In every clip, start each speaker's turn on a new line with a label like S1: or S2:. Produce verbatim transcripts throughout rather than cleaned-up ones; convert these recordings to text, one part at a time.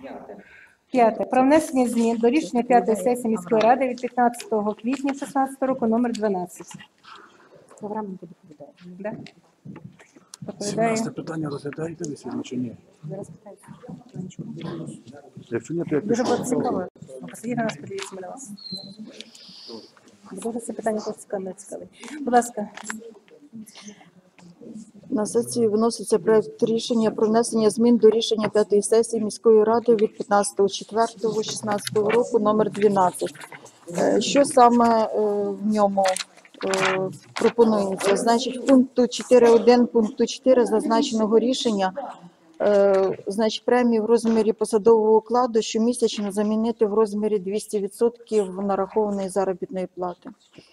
S1: П'яте. Про внесення змін до рішення п'ятої сесії міської ради від п'ятнадцятого квітня шістнадцятого року номер дванадцять. Програма буде доповідає. Да? Доповідає.
S2: сімнадцяте питання розглядаєте ви сьогодні чи ні?
S1: Зараз питаю.
S2: Якщо ні, то я
S1: Дуже
S2: пишу.
S1: було цікаво. Посидіть на нас, подивіться на вас. Дуже це питання цікаве, цікаве. Будь ласка.
S3: На сесію виноситься проект рішення про внесення змін до рішення п'ятої сесії міської ради від п'ятнадцятого четвертого шістнадцятого року номер дванадцять. Е, Що саме е, в ньому е, пропонується? Значить, в пункту чотири один пункту чотири зазначеного рішення е, значить, премії в розмірі посадового окладу щомісячно замінити в розмірі двісті відсотків нарахованої заробітної плати.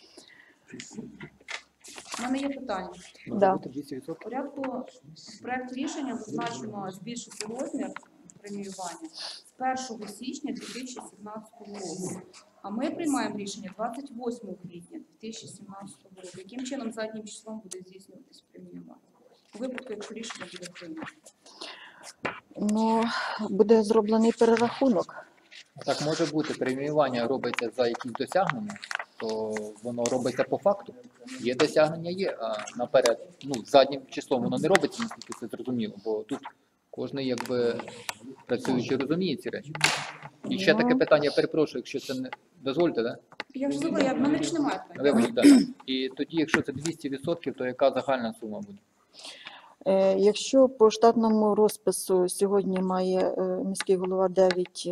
S4: У мене є питання.
S3: Да.
S4: В порядку проєкту рішення зазначено збільшити розмір преміювання з першого січня дві тисячі сімнадцятого року. А ми приймаємо рішення двадцять восьмого квітня дві тисячі сімнадцятого року. Яким чином заднім числом буде здійснюватись преміювання? У випадку, якщо рішення буде прийнято.
S3: Ну, буде зроблений перерахунок.
S5: Так може бути, преміювання робиться за якісь досягнення, то воно робиться по факту. Є досягнення, є, а наперед, ну, заднім числом воно не робиться, наскільки це зрозуміло, бо тут кожен, якби, працюючи, розуміє ці речі. І ще таке питання, я перепрошую, якщо це не дозвольте, да?
S4: Я вже забула, я в мене ж немає.
S5: Вибачте, да. І тоді, якщо це двісті відсотків, то яка загальна сума буде?
S3: Е, Якщо по штатному розпису сьогодні має е, міський голова дев'ять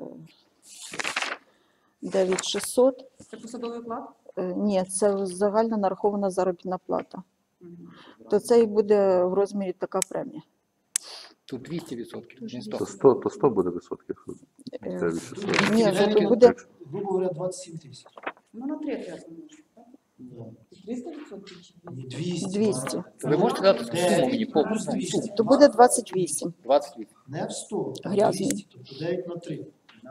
S3: тисяч шістсот,
S4: Це посадовий оклад?
S3: е, ні, це загальна нарахована заробітна плата, то це і буде в розмірі така премія.
S5: Тут двісті відсотків, не
S6: То
S5: сто.
S6: сто, то сто буде відсотків.
S3: Е,
S6: Це від шістсот.
S3: Ні, ну, то буде,
S7: Грубо говоря, двадцять сім тисяч.
S4: Ну, на три треба змінити.
S7: Да.
S4: триста відсотків чи
S7: Ні, двісті.
S3: двісті.
S5: Ви можете дати суму мені повну суму?
S7: двісті.
S3: То буде двадцять вісім.
S5: двадцять відсотків.
S7: Не в сто, а
S3: Грязний.
S7: двісті, тобто дев'ять на три.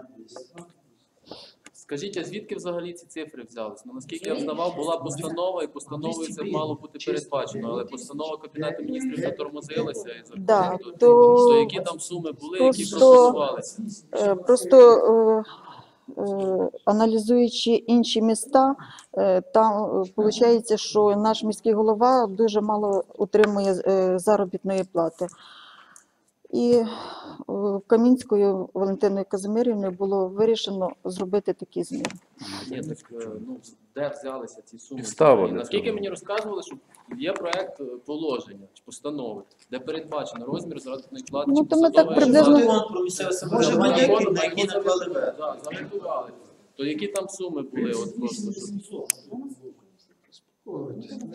S8: Скажіть, а звідки взагалі ці цифри взялись? Ну, наскільки я взнавав, була постанова, і постановою це мало бути передбачено, але постанова Кабінету міністрів затормозилася і закон.
S3: Да,
S8: то,
S3: то-
S8: то які там суми були, які
S3: Просто-
S8: процесувалися?
S3: Е, Просто е, е, аналізуючи інші міста, е, там виходить, що наш міський голова дуже мало отримує е, заробітної плати. І е, Камінською Валентиною Казимирівною було вирішено зробити такі зміни.
S8: Ні, так е, ну, де взялися ці суми?
S6: Підстава
S8: І
S6: для
S8: наскільки
S6: цього.
S8: мені розказували, що є проект е, положення чи постанови, де передбачено розмір заробітної плати.
S3: Ну,
S8: чи
S3: то ми так
S8: посадової
S3: приблизно-
S8: оклади.
S7: Закон про місцеве
S8: Може,
S7: самоврядування,
S8: на
S7: який- на який наклали вето.
S8: Так, занотували. То які там суми були? От просто, щоб...
S7: Ой,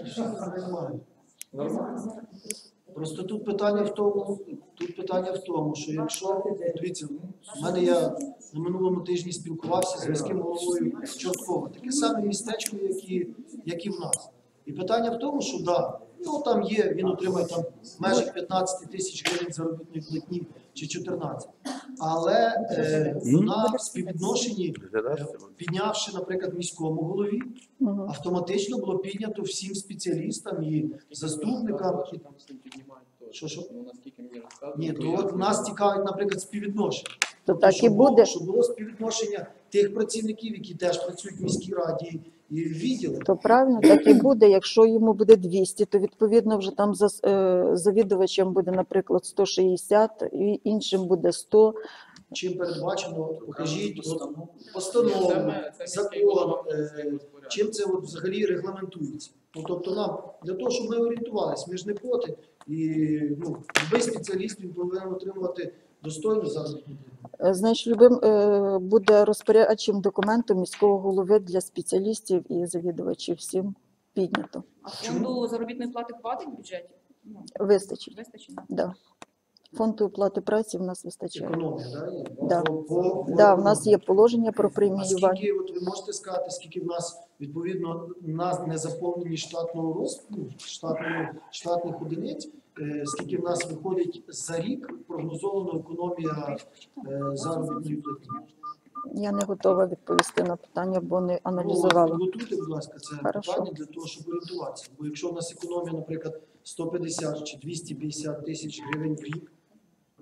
S7: нормально. Просто тут питання в тому, тут питання в тому, що якщо, дивіться, в мене я на минулому тижні спілкувався з міським головою Чорткова, таке саме містечко, як і, як і в нас. І питання в тому, що да, ну там є, він отримає там в межах п'ятнадцять тисяч гривень заробітної платні чи чотирнадцять. Але е, вона в співвідношенні, е, піднявши, наприклад, міському голові,
S3: Мгм.
S7: автоматично було піднято всім спеціалістам і заступникам.
S8: Які там з ним піднімають теж.
S7: Що, що?
S8: Ну, наскільки мені розказували.
S7: Ні,
S8: то
S7: то
S8: я-
S7: от нас цікавить, наприклад, співвідношення.
S3: То так і
S7: Щоб було-
S3: буде.
S7: Щоб було співвідношення тих працівників, які теж працюють в міській раді і в відділі.
S3: То правильно, так і буде. Якщо йому буде двісті, то відповідно вже там за, е, завідувачем буде, наприклад, сто шістдесят, і іншим буде сто.
S7: Чим передбачено, покажіть от,
S8: Це
S7: постанову,
S8: ми- це міський голова
S7: закон,
S8: буде
S7: е,
S8: розпоряджатися.
S7: чим це от взагалі регламентується. Ну, тобто нам, для того, щоб ми орієнтувалися, ми ж не проти, і ну, будь-який спеціаліст він повинен отримувати достойну заробітну плату.
S3: Е, Значить, любим е, буде розпорядчим документом міського голови для спеціалістів і завідувачів всім піднято.
S4: А фонду заробітної плати хватить в бюджеті? Ну,
S3: Вистачить.
S4: вистачить?
S3: Да. Фонду оплати праці в нас вистачає.
S7: Економія, да, є?
S3: Да.
S7: По- по-
S3: Да, в нас є положення про
S7: А
S3: преміювання.
S7: скільки, от ви можете сказати, скільки в нас, відповідно, на незаповнені штатного розпису, штатного, штатних одиниць, е, скільки в нас виходить за рік прогнозована економія е, заробітної платні?
S3: Я не готова відповісти на питання, бо не
S7: Ну,
S3: аналізувала.
S7: підготуйте, будь ласка, це
S3: Хорошо.
S7: питання для того, щоб орієнтуватися. Бо якщо в нас економія, наприклад, сто п'ятдесят чи двісті п'ятдесят тисяч гривень в рік,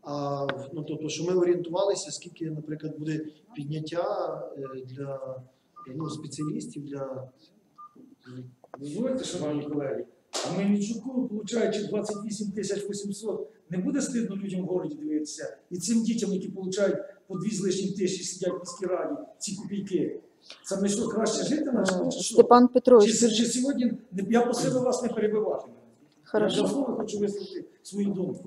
S7: А ну, тобто, що ми орієнтувалися, скільки, наприклад, буде підняття е, для ну, спеціалістів, для
S2: Дозвольте, шановні колеги, а Мельничуку, получаючи двадцять вісім тисяч вісімсот, не буде стидно людям в городі дивитися? І цим дітям, які получають по дві з лишнім тисячі, сидять в міській раді, ці копійки. Це ми що, краще жити на що? Чи що?
S3: Степан
S2: Чи,
S3: Петрович,
S2: чи, чи сьогодні, я просив вас не перебивати мене.
S3: Хорошо.
S2: Я давно хочу висловити свою думку.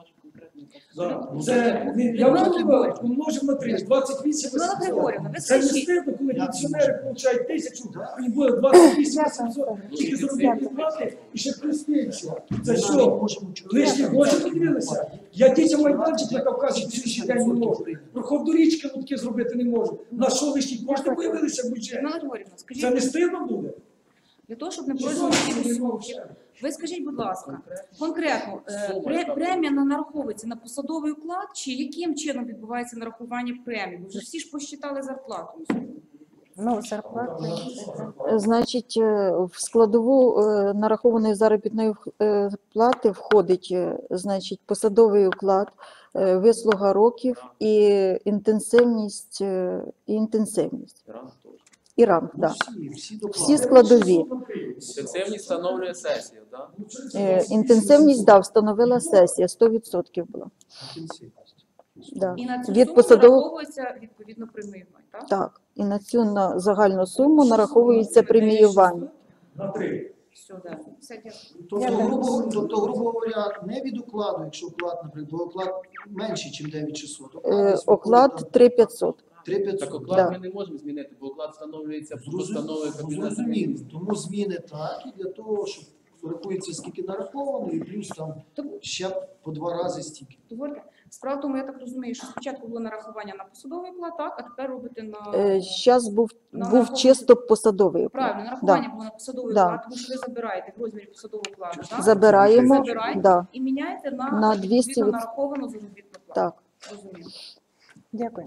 S2: Да. Це, не- я вже говорив, помножив на три, двадцять вісім
S4: Людмила
S2: вісімсот.
S4: Григорівна, ви
S2: Це не
S4: скажіть.
S2: стидно, коли пенсіонери получають тисячу, і буде двадцять вісім вісімсот, тільки заробітні плати, і ще плюс пенсія. Це що? Лишні гроші подивилися? Я дітям майданчик на Кавказі цілий день не можу. Проход до річки лутки зробити не можу. На що лишні кошти появилися в бюджеті?
S4: Людмила Григорівна,
S2: Це не
S4: скажіть,
S2: стидно буде?
S4: для того, щоб не пройшло слухів, ви скажіть, будь ласка, конкретно, е, пре- премія на- нараховується на посадовий уклад, чи яким чином відбувається нарахування премії? Бо вже всі ж посчитали зарплату на сьогодні.
S1: Ну, зарплати.
S3: значить, е, в складову е, нарахованої заробітної е, плати входить, е, значить, посадовий уклад, е, вислуга років і інтенсивність, е, і інтенсивність.
S8: Ранг теж.
S3: І ранг,
S7: Ну,
S3: да.
S7: всі, всі доплати.
S3: Всі складові.
S8: Інтенсивність встановлює сесія, так?
S3: Е, Інтенсивність, да, встановила сесія, сто відсотків була.
S7: Інтенсивність.
S3: Да.
S4: І на цю
S3: Від
S4: суму
S3: посадового,
S4: нараховується відповідно преміювання, так?
S3: так, і на цю на загальну суму нараховується преміювання.
S2: На три.
S4: Все, да. Все, дякую.
S7: Тобто, грубо, тобто, грубо говоря, не від укладу, якщо уклад, наприклад, бо уклад менший, ніж дев'ять шістсот.
S3: Е, Оклад три п'ятсот.
S7: три
S8: Так
S7: п'ятсот.
S8: оклад
S3: Да.
S8: ми не можемо змінити, бо оклад встановлюється постановою
S7: Зрозуміло,
S8: Кабінету
S7: зрозуміло.
S8: Міністрів.
S7: Тому зміни так, і для того, щоб рахується, скільки нараховано, і плюс там
S4: Тобто,
S7: ще по два рази стільки.
S4: дозвольте. Справа в тому, я так розумію, що спочатку було нарахування на посадовий уклад, так, а тепер робите на...
S3: Зараз був,
S4: На
S3: був
S4: нараховування-
S3: чисто посадовий уклад.
S4: Правильно, нарахування було на посадовий
S3: Да.
S4: уклад, тому що ви забираєте в розмірі посадового укладу, так?
S3: Забираємо,
S4: Забираєте
S3: да,
S4: і міняєте на,
S3: На двісті
S4: відповідно
S3: від-
S4: нараховану заробітну плату.
S3: так.
S4: Розумію.
S1: Дякую.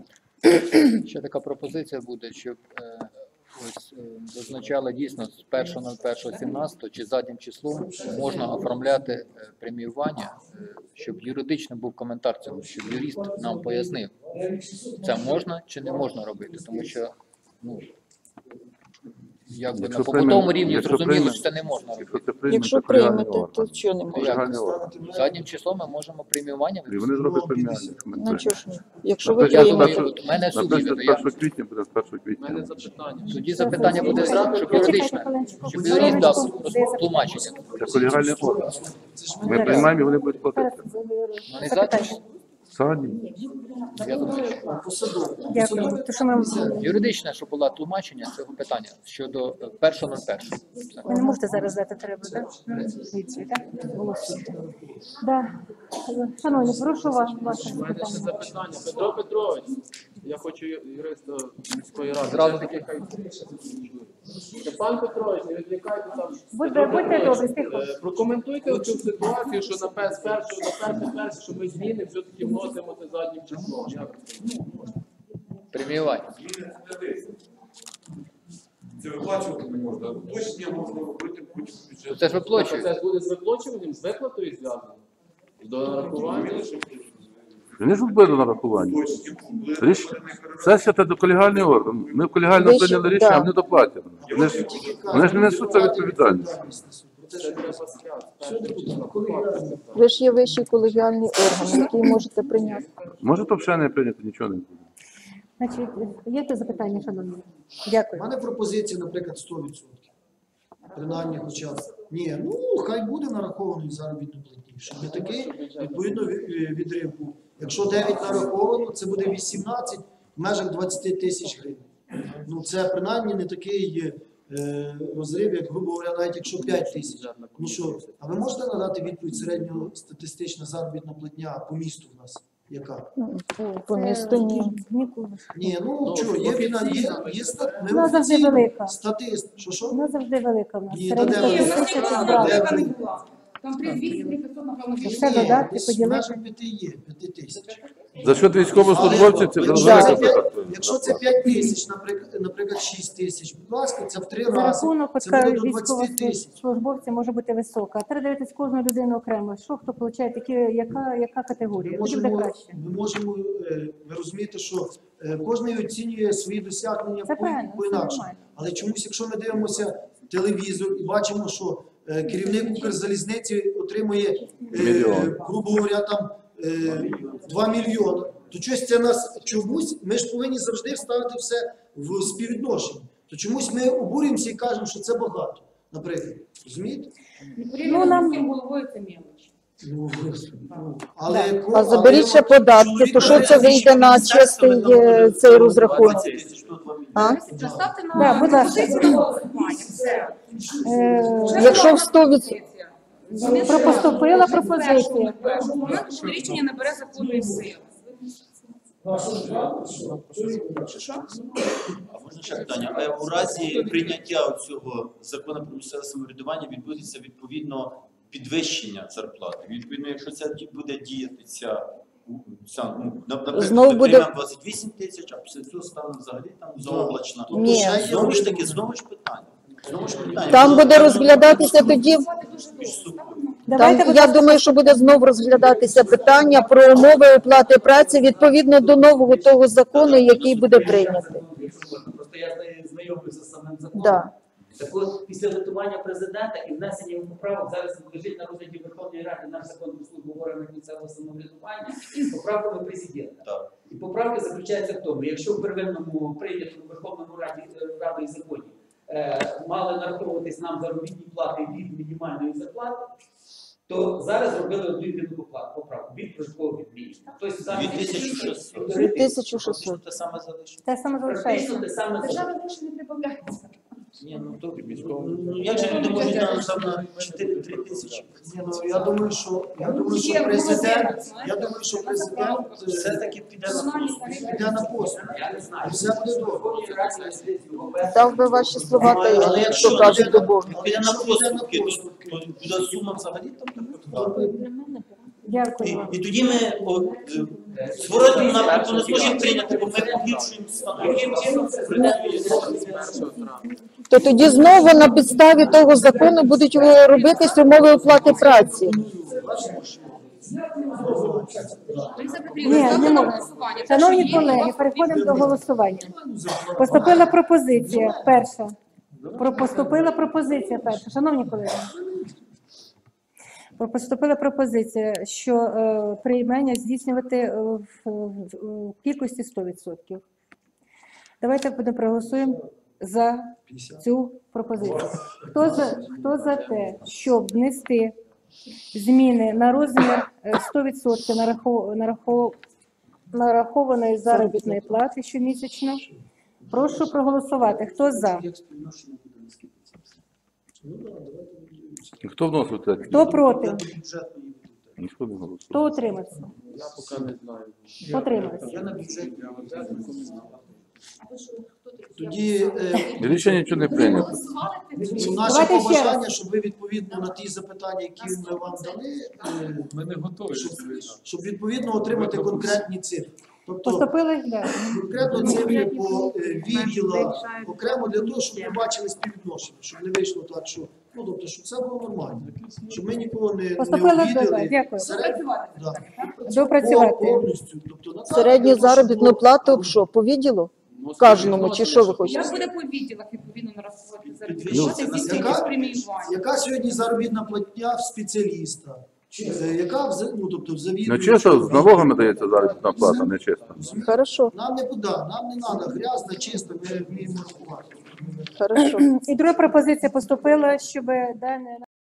S5: Ще така пропозиція буде, щоб е, ось е, зазначали дійсно з першого на перше сімнадцятого чи заднім числом можна оформляти е, преміювання, е, щоб юридично був коментар цьому, щоб юрист нам пояснив, це можна чи не можна робити, тому що ну якби на
S6: Якщо
S5: побутовому
S6: прийме-
S5: рівні
S6: якщо
S5: зрозуміло,
S6: прийме-
S5: що це не можна робити.
S6: Якщо це прийме,
S3: Якщо
S6: то колегіальний
S3: приймете, то
S6: орган.
S3: що не можна?
S6: Колегіальний орган.
S5: Заднім числом ми можемо преміювання
S6: І вони зроблять
S7: Ну,
S6: преміальні.
S7: п'ятдесят.
S6: що ми
S3: Ну
S6: приймемо.
S3: чого ж ні? Якщо ви
S5: Я думаю,
S3: приймете,
S5: от у мене суді
S6: Наприклад,
S5: буде. Я
S6: першого квітня буде з першого
S8: У мене
S6: квітня.
S8: запитання.
S5: тоді запитання буде зразу, щоб юридично, щоб юрист дав тлумачення.
S6: Це колегіальний орган.
S7: Це ж
S6: Ми приймаємо і вони будуть платити.
S5: Ну, не заднім числом.
S6: Задні.
S5: Я думаю,
S7: посадові.
S1: Дякую. То, що ми,
S5: юридичне, щоб було тлумачення цього питання щодо е, першого на першого.
S1: ви не можете зараз дати треба, так? Відповідь, так? Голосуйте. Да. Шановні, прошу вас, ваше
S8: У мене ще
S1: запитання.
S8: запитання. Петро Петрович, я хочу юриста міської ради.
S5: Зразу
S8: Все-таки хай- Степан Петрович, не відвлікайте там.
S1: Будьте-
S8: Петро
S1: будьте
S8: Петрович,
S1: добрі, тихо.
S8: е, Прокоментуйте цю ситуацію, що на перше, на перше, перше, що ми зміни все-таки вносимо це заднім числом. Як це?
S5: Преміювання.
S9: Це виплачувати не можна. Уточнення можна робити потім в бюджеті.
S5: Це ж
S8: Тобто
S5: виплачують.
S8: це буде з виплачуванням, з виплатою зв'язано? До нарахування?
S6: Вони ж буде до нарахування.
S9: Уточнення.
S6: Ріш... Сесія це до колегіальний орган. Ми в колегіально
S3: Ви ще-
S6: прийняли рішення, а
S3: да.
S6: вони доплатять. Вони ж, вони ж не несуть за відповідальність.
S8: Це треба сказати.
S3: Ви ж є вищий колегіальний орган, який можете прийняти.
S6: Може, то взагалі не прийняти, нічого не буде.
S1: Значить, є те запитання, шановні?
S7: У
S1: Дякую.
S7: мене пропозиція, наприклад, сто відсотків. Принаймні, хоча б. Ні, ну хай буде нарахований заробітну платні. Щоб не такий, відповідно, ві- відрив був. Якщо дев'ять нараховано, це буде вісімнадцять в межах двадцять тисяч гривень. Ну це принаймні не такий е, розрив, як, грубо говоря, навіть якщо п'ять тисяч. Ну що, а ви можете надати відповідь середньостатистична заробітна платня по місту в нас? Яка?
S3: Ну, по- По місту ні.
S1: Ніколи.
S7: Ні, ну
S8: Ну,
S7: що, є війна, є,
S8: офіційна,
S7: є стат,
S1: Вона завжди велика.
S7: статист. Що що?
S1: Вона завжди велика в нас.
S7: Ні,
S1: Середня
S7: та де
S4: Ні,
S7: ви?
S4: в нас
S1: тисяча
S4: ніколи
S1: збрала.
S4: велика не була. Там три двісті, три п'ятсот, напевно,
S1: Все
S4: було.
S1: додати,
S7: десь в
S1: поділити.
S7: межах п'яти є, п'яти тисяч.
S6: За счет військовослужбовців це
S7: Але
S6: вже
S7: якщо це
S6: велика
S7: п'ять-
S6: зарплата.
S7: Якщо це п'ять тисяч, наприклад, наприклад, шість тисяч, будь ласка, це в три
S1: За
S7: рази.
S1: рахунок
S7: Це буде
S1: от,
S7: до двадцяти тисяч.
S1: військовослужбовців може бути висока. Треба дивитися кожну людину окремо. Що хто отримує, які, яка, яка категорія?
S7: Ми
S1: Тоді буде
S7: можемо,
S1: краще.
S7: ми можемо, е, ви розумієте, що е, кожен оцінює свої досягнення
S1: Це
S7: по,
S1: правильно,
S7: по
S1: це
S7: інакше.
S1: нормально.
S7: Але чомусь, якщо ми дивимося телевізор і бачимо, що е, керівник Укрзалізниці отримує, е,
S6: Мільйон.
S7: грубо говоря, там е, два мільйони, то щось це нас чомусь, ми ж повинні завжди ставити все в співвідношенні. То чомусь ми обурюємося і кажемо, що це багато, наприклад. Розумієте?
S4: Порівняно
S1: нам-
S4: з міським головою це мілоч.
S7: Ну, ну, але,
S3: А заберіть ще податки, то що це вийде на чистий е, цей розрахунок? А?
S4: Заставте на
S1: Да, будь ласка.
S4: пропозицію на голосування. Все.
S1: Е,
S4: Вже
S3: Якщо
S4: була
S3: в сто відсотків.
S4: пропозиція.
S1: Про- поступила пропозиція.
S4: Першого моменту, що рішення набере законної сили. Що, що?
S10: А можна ще питання? А у разі прийняття цього закону про місцеве самоврядування відбудеться відповідно підвищення зарплати. Відповідно, якщо це ді- буде діяти ця, ця ну, наприклад,
S3: Знову
S10: ми
S3: буде-
S10: приймемо двадцять вісім тисяч, а після цього стане взагалі там заоблачна.
S3: Ні.
S7: ще є
S10: Знову ж
S7: один
S10: таки, знову ж питання. Знову ж питання.
S3: Там
S10: Воно-
S3: буде розглядатися тоді.
S10: між собою.
S1: Давайте,
S3: Там,
S1: будь
S3: я
S1: ласка,
S3: думаю, що буде знову розглядатися питання про умови оплати праці відповідно до нового того закону, який буде прийнятий.
S11: Просто я знайомлюся з самим законом.
S3: Да.
S11: Так от, після готування президента і внесення поправок зараз лежить на розгляді Верховної Ради наш закон про службу в органах місцевого самоврядування з поправками президента.
S10: Так.
S11: І поправка заключається в тому, якщо в первинному прийнятому Верховному Раді Радою законі е, мали нараховуватись нам заробітні плати від мінімальної зарплати, то зараз зробили одну єдину попла- поправку від прожиткового мінімуму. Тобто зараз
S10: дві тисячі шістсот.
S3: дві тисячі шістсот.
S10: Фактично те саме залишиться.
S1: те саме
S11: Практично
S1: залишається.
S11: те саме
S4: Держава гроші не прибавляється.
S10: Ні, ну то ну, як же люди можуть там там на чотири-три тисячі?
S7: Ні, ну, я думаю, що я думаю, що
S4: Є
S7: президент,
S4: знаєте,
S7: я думаю, що президент е,
S10: Все-таки піде на
S4: Комунальні
S10: послуги.
S4: тарифи.
S7: піде на пост.
S11: Я не знаю.
S7: І все буде добре.
S11: Верховній Раді на сесію ОБС.
S3: Дав би ваші слова, та
S7: Але
S3: й
S7: якщо
S3: що кажуть
S7: піде
S3: до Бога.
S10: Піде на
S7: Якщо піде на
S10: поступки, то,
S7: поступки.
S10: то буде сума взагалі там така. І,
S1: Дякую вам.
S10: і тоді ми о, е, зворотньому напрямку не зможемо прийняти, бо ми погіршуємо стан.
S3: То тоді знову на підставі того закону будуть е, робитись умови оплати праці.
S4: Лариса
S1: Ні,
S4: Петрівна,
S1: не
S4: ставте на
S1: можна.
S4: голосування.
S1: Шановні
S4: Те, що є,
S1: колеги,
S4: вас
S1: переходимо до голосування. Поступила пропозиція перша. Про поступила пропозиція перша. Шановні колеги, про- поступила пропозиція, що е, приймання здійснювати е, в, в- в кількості сто відсотків. Давайте будемо проголосуємо за цю пропозицію. Хто за, хто за те, щоб внести зміни на розмір е, сто відсотків нарахов- нарахов- нарахованої заробітної плати щомісячно? Прошу проголосувати. Хто за?
S6: Хто вносив це?
S1: Хто проти?
S6: Ніхто не голосує.
S1: Хто утримався?
S8: Я поки не знаю.
S1: Утримався.
S7: Я на бюджеті. Тоді е,
S6: Рішення нічого не прийнято.
S4: голосували, ти
S7: ну, наше
S1: Давайте ще
S7: побажання,
S1: раз.
S7: щоб ви відповідно на ті запитання, які ми вам дали, е,
S9: Ми не готові.
S7: щоб, щоб відповідно отримати конкретні цифри. Тобто
S1: Поступили? Да.
S7: конкретно цифри по е, відділах, окремо для того, щоб ми бачили співвідношення, щоб не вийшло так, що ну тобто, щоб це було нормально, щоб ми нікого не, не
S1: Поступили? Да,
S7: обідали.
S1: дякую.
S7: Серед- да.
S1: Допрацювати.
S7: Повністю. Тобто, на
S3: Середню
S7: так, для того,
S3: заробітну
S7: щоб
S3: плату що, по відділу? Кожному, чи що ви хочете?
S4: Як буде по відділах відповідно нараховувати заробітні
S10: Ну,
S4: плати,
S7: яка-
S4: здійснювати преміювання?
S7: яка сьогодні заробітна платня в спеціаліста? Е, Яка в за- ну, тобто в
S6: Ну
S7: завідувача?
S6: чесно, з налогами дається заробітна плата, не чесно.
S3: Хорошо,
S7: Нам не куди, нам не треба грязно, чисто, ми вміємо рахувати.
S3: хорошо.
S1: І друга пропозиція поступила, щоб дане